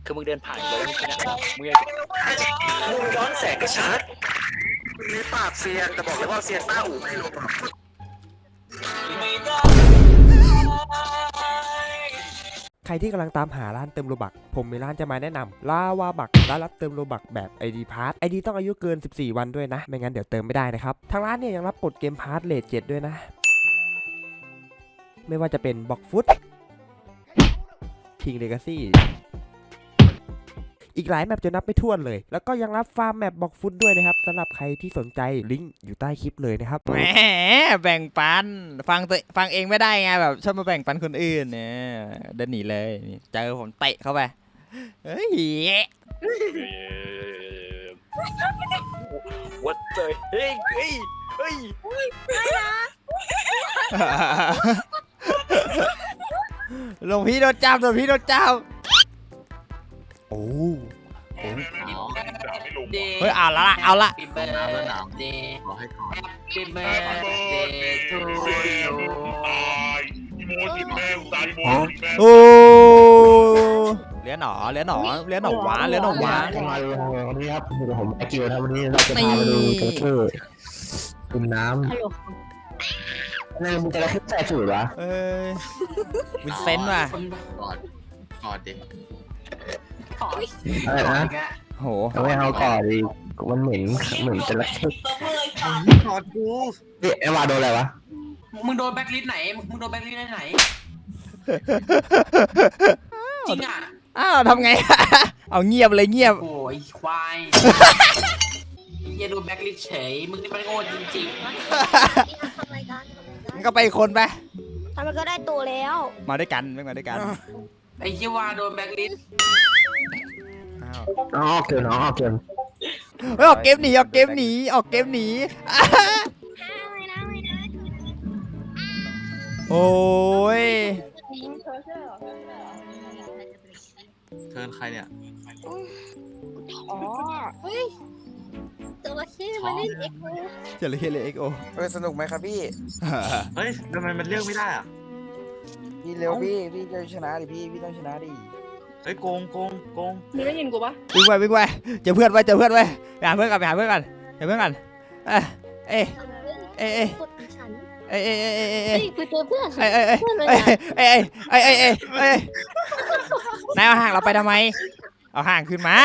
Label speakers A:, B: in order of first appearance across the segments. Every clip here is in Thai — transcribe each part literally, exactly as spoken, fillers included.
A: คือมึงเดินผ่านเลยมึง
B: มึงย้อนแสงก็ชัดมีปากเซียนแต่บอกเลยว่าเซียนต้าอู่ไม่รู้
C: ใครที่กำลังตามหาร้านเติมโลบักผมมีร้านจะมาแนะนำลาวาบักร้านรับเติมโลบักแบบ ไอ ดี Pass ไอ ดี ต้องอายุเกินสิบสี่วันด้วยนะไม่งั้นเดี๋ยวเติมไม่ได้นะครับทางร้านเนี่ยยังรับกดเกมพาร์ทเลทเจ็ดด้วยนะไม่ว่าจะเป็นบ็อกฟุตคิงเลกาซี่อีกหลายแมปจะนับไม่ถ้วนเลยแล้วก็ยังรับฟาร์มแมปบ็อกฟุตด้วยนะครับสำหรับใครที่สนใจลิงก์อยู่ใต้คลิปเลยนะครับ
D: แหมแบ่งปันฟังตัวฟังเองไม่ได้ไงแบบชอบมาแบ่งปันคนอื่นเนี่ยเดินหนีเลยเจอผมเตะเข้าไปเฮ้ย
A: วัดเลยเฮ้ยเฮ้ยเฮ้ย
D: หลวงพี่โดนจับหลวงพี่โดนจับ
C: โอ้
D: เฮ้ยเอาละเอาละโอ้เลี้ยนหนอเลี้ยนหนอเลี้ยนหนอวะเลี้ยนหนอวะ
E: มาดูวันนี้ครับผมไอคิวนะวันนี้เราจะพามาดูโจ๊กเกอร์คุณน้ำนี่มึงจะอะไรขึ้นใส่สูตรวะ
D: เอ้ยวินเซนต์ว่ะ
F: กอดกอดดิ
E: อะไรนะ
D: โห
E: ไม่เอาก่อนดิมันเหม็นเหม็นจะละเข้
F: กอดกู
E: เอ๊ะไอวาโดนอะไรวะ
G: มึงโดนแบ็คลิสต์ไหนมึงโดนแบ็คลิสต์ไหนจริงอ่ะ
D: อ้าวทำไงเอาเงียบเลยเงียบ
G: โอ้ยควายอย่าโดนแบ็คลิสต์เฉยมึงนี่มันโง่จริง
D: ๆมันก็ไปคนไป
H: ทำไมก็ได้ตัวแล้ว
D: มาด้วยกันไม่มาด้วยกัน
G: ไอ้ชิวาโดนแบ็คลิสต์
E: อ๋อเกินอ๋อเกิน
D: เฮ้ยออกเกมหนีออกเกมหนีออกเกมหนีโอ้ย
F: เทิร์นใครเนี่ย
H: อ๋อเฮ้ยจระเข้มาเล่นเอ็กโอ
D: จระเข้เลยเอ็กโอ
B: เออสนุกไหมครับพี่
F: เฮ้ยทำไมมันเลือกไม่ได้อ่ะ
B: พี่เร็วพี่พี่จะชนะดิพี่พี่ต้องชนะดิ
F: เฮ้ยโกงโกงโกง
H: มึงได้ยินกูปะ
D: วิ่งไปวิ่งไปเจอเพื่อนไว้เจอเพื่อนไว้ไปหาเพื่อนกันไปหาเพื่อนกันเจอเพื่อนกันเอ้เอ้เอ้เอ้เอ้เอ้เอ้เอ้เอ้
H: ไปเจอเพื่อน
D: เอ้เอ้เอ้เอ้เอ้เอ้เอ้เอ้เอ้นายเอาห่างเราไปทำไมเอาห่างขึ้นมา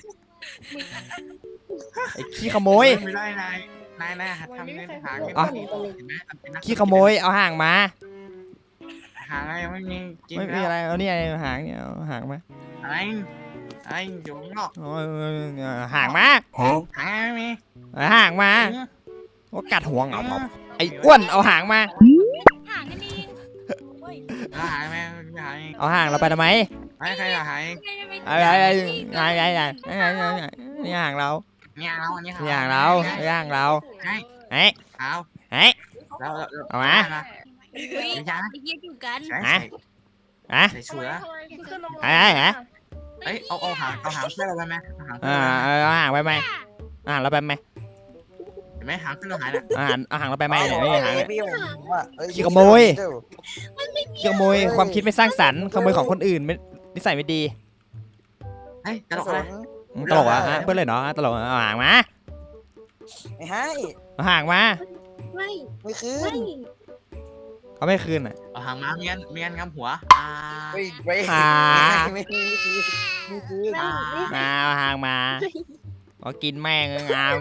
D: ไอ้ขี้ขโมย
F: ไม่ได้นายนายนายทำเงินหาเงิน
D: ขี้ขโมยเอาห่างมา
F: หางอะไรไม่มีกิน
D: ไม่มีอะไรเอานี่ไอ้หางเนี่ยเอาหางมา
F: ไอ้ไอ้อยู่ข้างนอก
D: ห่างมา
F: หางไม่มี
D: ห่างมาว่ากัดห่วงเอาไอ้อ้วนเอาหางมา
H: ห่างกันเอง
F: หางไหมหาง
D: เอาห่างเราไปทำไม
F: ไอ้ใครจะหาย
D: อะไรอะไรอะไรอะไรนี่ห่างเรา
F: นี่ห่างเราอันนี้
D: ห่างเราห่างเราเฮ้ย
F: เอา
D: เฮ้ยเอามา
H: ไม่ใช่อยู่กัน
D: ฮะฮะ
F: ใส่ชัวร์
D: ไอ้ฮะ
F: เอ้ยเอาเอาหางเอาหางเสื้อเราไปไหม
D: อ่าเอาหางไปไหมอ่าเราไปไหม
F: เห็นไหมหางเสื้อเราหายเลย
D: อ่าเอาหางเราไปไหมเนี่ยไม่หางเลยขี้ขโมยขี้ขโมยความคิดไม่สร้างสรรค์ขโมยของคนอื่นไม่นิสัยไม่ดี
F: เฮ้ยตลกเลย
D: ตลกอ่ะเพื่อนเลยเนาะตลกเอาหางมา
B: ไม่ให้
D: เอาหางมา
H: ไม่
B: ไม่คืน
D: เขาไม่คืนอ่ะ
F: เอาหางมาเมียนเมียนงำหัวอ่า
B: ไม่ไม่ไม่คืนไม่คืน
D: มาเอาหางมาก็กินแม่งงาม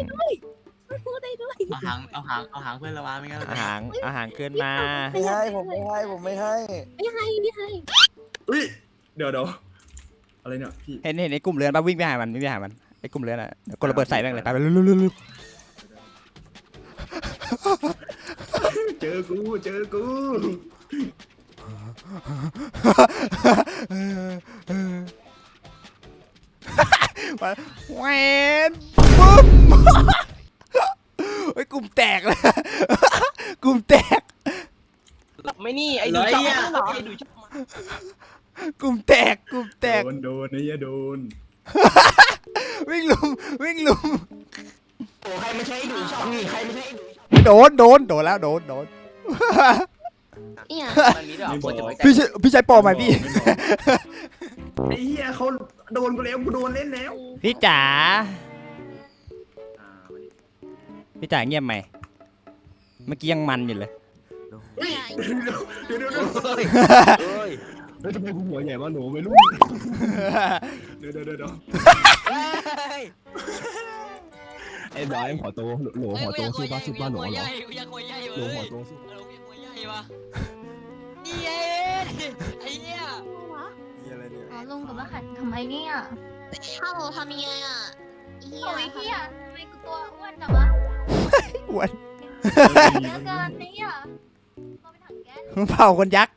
F: เอาหางเอาหางเอาหางเพื่อนเรามาไม่งั้น
D: เอาหางเอาหางขึ้นมา
B: ไม่ให้ผมไม่ให้ผมไม่ให้
H: ไม่ให้ไม่ให้
I: อุ้ยเดี๋ยวเดี๋ยวอะไรเนี่ยพี่
D: เห็นเห็นไอ้กลุ่มเรือนป่ะวิ่งไปหามันวิ่งไปหามันไอ้กลุ่มเรือนอ่ะกดระเบิดใส่แม่งเลยไปไปลุลุลุ
I: เจอกูเจอกู
D: แหวนบึ้มไอ้กลุ่มแตกเลยกลุ่มแตก
G: หลับไม่นี่ไอ้ดูชอบหรอไอ้ดูชอบ
D: กลุ่มแตกกลุ่มแตก
I: โดนโดนนี่โดน
D: วิ่งลุมวิ่งลุม
G: โอ้ใครไม่ใช่ดูชอบนี่ใครไม่ใช่
D: โดนโดนโดนแล้วโดนโดน
H: เนี่ย
A: มันมีด้วยเหรอคนจะไว้ใจ
C: พี่ใช้พี่ใช้ปอไหมพี่
I: ไอ้เหี้ยเขาโดนกูแล้วกูโดนเล่นแล้ว
D: พี่จ๋า
I: อ่าวันนี้
D: พี่จ๋าเงียบไหมเมื่อกี้ยังมันอยู่เลย
H: เนี่ย
I: เดี๋ยวเดี๋ยวเดี๋ยว
A: เฮ้ยเฮ้ย
E: เฮ้ยทำไมกูหัวใหญ่มาหนูไม่รู้
I: เดี๋ยวเดี๋ยวเดี๋ยวเดี๋ยว
E: ไอ้บอยหัวโตหนูหัวโตสู้ป้าสู้ป้าหนูเหรอ
G: อยากหัวใหญ่
E: หนู
G: เว้
E: หัวย โตสู้
G: เออหัวใหญ่วะนี่ไงไอ้เนี่ย
H: อ๋อลุงกับว่าขัดทำไมเนี่ยฮัลโหลทำยังไงอ่ะเฮียเฮียทำไมกูตัวอ้วนจังวะ
D: อ้วน
H: แล้วกันเนี่ยเราไปถังแก๊ส
D: เผาคนยักษ์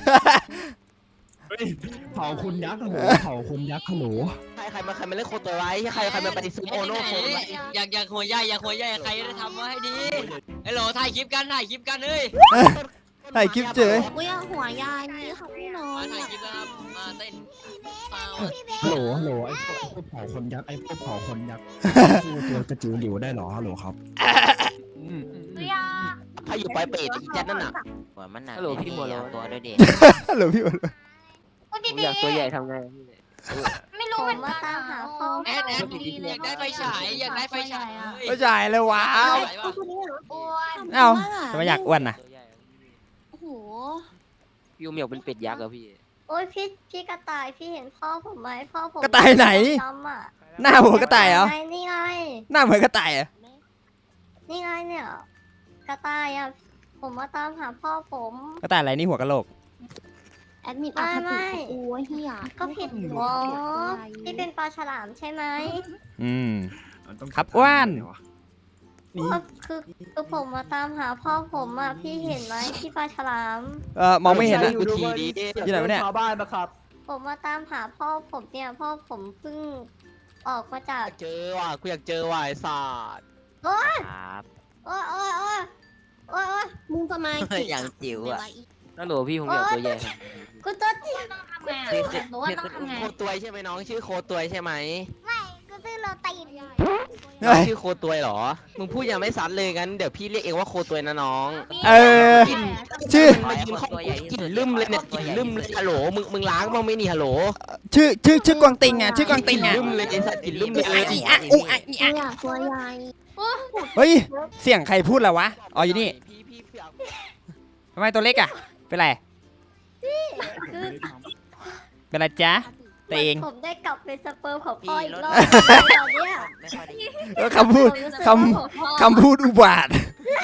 E: เผาคุณยักษ์หนูเผาคุณยักษ์หนู
B: ใครใครมาใครมาเล่นโคตัวไรใครใครมาปฏิซูโอโน่โคตัวไร
G: อยากอยากหัวใหญ่อยากหัวใหญ่ใครจะทำมาให้ดีไอ้โหลถ่ายคลิปกันถ่ายคลิปกันเฮ้ย
D: ถ่ายคลิปเจอ
H: อุ้ยหัวยายนี่ค่ะพี่น้อง
G: มาถ่ายคลิปกันครับมาเต้นเปล่า
E: ฮัลโหลฮัลโหลไอ้พวกพวกเผาคนยักษ์ไอ้พวกเผาคนยักษ์สู้ตัวกระจิ๋วหลิวได้เหรอฮัลโหลครับ
H: เฮีย
B: ถ้าอยู่ปลายเป็ดอีแจ็คนั่นน่ะ
A: หัวมันหนักฮัลโหลพี่โมโลตัวด้วยดิ
D: ฮัลโหลพี่อ้วน
H: พูด
A: ผม
H: ดี
A: อยากตัวใหญ่ทำไง
H: ๆไม่รู้เหมือนกันตามหาพ่อ
G: แอดแอดอยากได้ไฟฉายอยากได้ไฟฉาย
D: ไม่จ่ายเลยว้าว
H: อ้วน
D: เอ้าทำไมอยากอ้วนน่ะ
A: ตัวใหญ่
H: โอ้โห
A: พี่เหมียวเป็นเป็ดยักษ์เหรอพี่
H: โอ้ยพี่พี่กระต่ายพี่เห็นพ่อผมไหมพ่อผม
D: กระต่ายไหน
H: ดำอ่ะ
D: หน้าเหมือนกระต่ายเหรอ
H: นี่ไง
D: หน้าเหมือนกระต่ายเหรอ
H: นี่ไงเนี่ยกระต่ายอ่ะผมมาตามหาพ่อผม
D: กระต่ายอะไรนี่หัวกะโหลก
H: แอดมินไม่ไม่เฮียก็ผิดอ๋อพี่เป็นปลาฉลามใช่ไหม
D: อืม
I: มันต้อง
D: ครับอ้วน
H: ก็คือคือผมมาตามหาพ่อผมอ่ะพี่เห็นไหมพี่ปลาฉลาม
D: เออมองไม่เห็นนะ
B: กูทีดี
D: อยู่ไหนวะเนี่ย
B: ชาวบ้านนะครับ
H: ผมมาตามหาพ่อผมเนี่ยพ่อผมเพิ่งออกมาจาก
B: เจอว่ะกูอยากเจอว่ะไอ้สัตว์
A: ครับ
H: โอ้ยโอ้ยโอ้ยโอ้ยโอ้ยมึงทำไม
A: อย่างจิ๋วอ่ะฮัลโหลพี่ผมอยากตัวใหญ่
H: กูตัวจริงต้องทำไง
A: พี่
H: รู้ว่าต้องทำไง
B: โคตัวใช่ไหมน้องชื่อโคตัวใช่ไหม
H: ไม่กูซื้อโรตีน
B: น้องชื่อโคตัวเหรอมึงพูดยังไม่ซัดเลยงั้นเดี๋ยวพี่เรียกเองว่าโคตัวนะน้อง
D: เออ ชื่อ
B: มายืนข้างกูกลิ่นลืมเลยเนี่ยกลิ่นลืมเลยฮัลโหลมึงมึงล้างบ้างไหมนี่ฮัลโหล
D: ชื่อชื่อชื่อกวางติงอ่ะชื่อกวางติงอ่ะ
B: ลืมเลยไอ้สัตว์กลิ่นลืมเลย
D: อีอะอุอะอีอะ
H: อยากตัวใหญ่
D: เฮ้ยเสียงใครพูดแล้ววะอ๋ออยู่นี่
B: พี่พี่เผือก
D: ทำไมตัวเล็กอ่ะเป็นไร
H: คือ
D: เป็นไรจ๊ะตัวเอง
H: ผมได้กลับเป็นสเปิร์มของพ่ออีกรอบตอนเนี้ย
A: ไม่ค่อยได้ยิน
D: เออคำพูด
H: ผมรู้สึก
D: คำ
H: ว่าของพ่อ
D: คำพูดอุบาท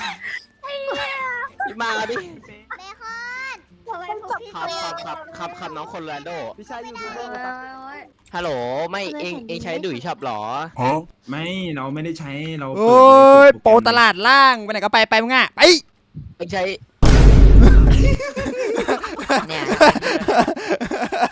B: พี่มาดิ
H: เบคอนทำไมพวกพี่
B: ครับครับครับครับครับน้องคนแรนโด
H: พี่ชายยูทูบเบอร์
B: ฮัลโหลไม่เองเองใช้ดุยช็อปหรอ
I: ไม่เราไม่ได้ใช้เรา
D: โอ้ยโปรตลาดล่างไปไหนก็ไปไปมึงอ่ะไป
B: เองใช้
A: เนี่ย